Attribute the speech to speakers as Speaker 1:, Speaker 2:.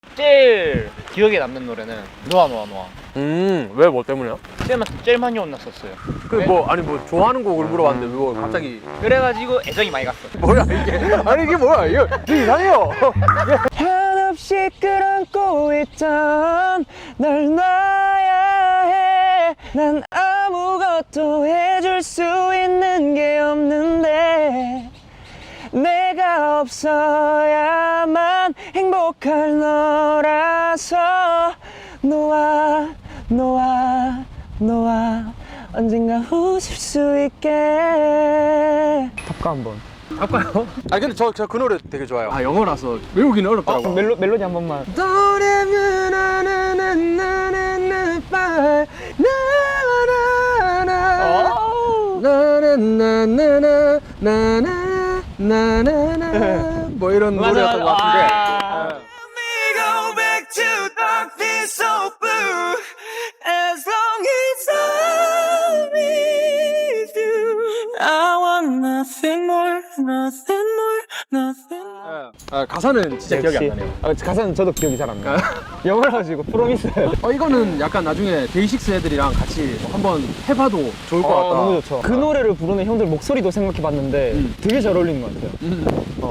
Speaker 1: 제일 기억에 남는 노래는 노아 노아 노아.
Speaker 2: 왜 뭐 때문에요?
Speaker 1: 제일 많이 혼났었어요.
Speaker 2: 그 뭐 아니 뭐 좋아하는 곡을 물어봤는데 뭐 갑자기
Speaker 1: 그래가지고 애정이 많이 갔어.
Speaker 2: 뭐야 이게? 아니 이게 뭐야 이거 이상해요.
Speaker 3: 한없이 끌안고 있던 널 놔야 해. 난 아무것도 해줄 수 있는 게 없는데 내가 없어야만 행복할 너라서 너와 너와 너와 언젠가 웃을 수 있게. 탑가 한번.
Speaker 2: 할까요? 아 근데 저 그 노래 되게 좋아요. 아 영어라서 외우기는 어렵더라고.
Speaker 3: 멜로디 한 번만.
Speaker 2: 뭐 이런 노래였던 것 같은데. 가사는 진짜 기억이 안 나네요.
Speaker 3: 가사는 저도 기억이 잘 안 나요. 영어라 가지고 프로미스.
Speaker 2: 이거는 약간 나중에 데이식스 애들이랑 같이 한번 해봐도 좋을 것 같다.
Speaker 3: 너무 좋죠. 그 노래를 부르는 형들 목소리도 생각해봤는데 되게 잘 어울리는 것 같아요.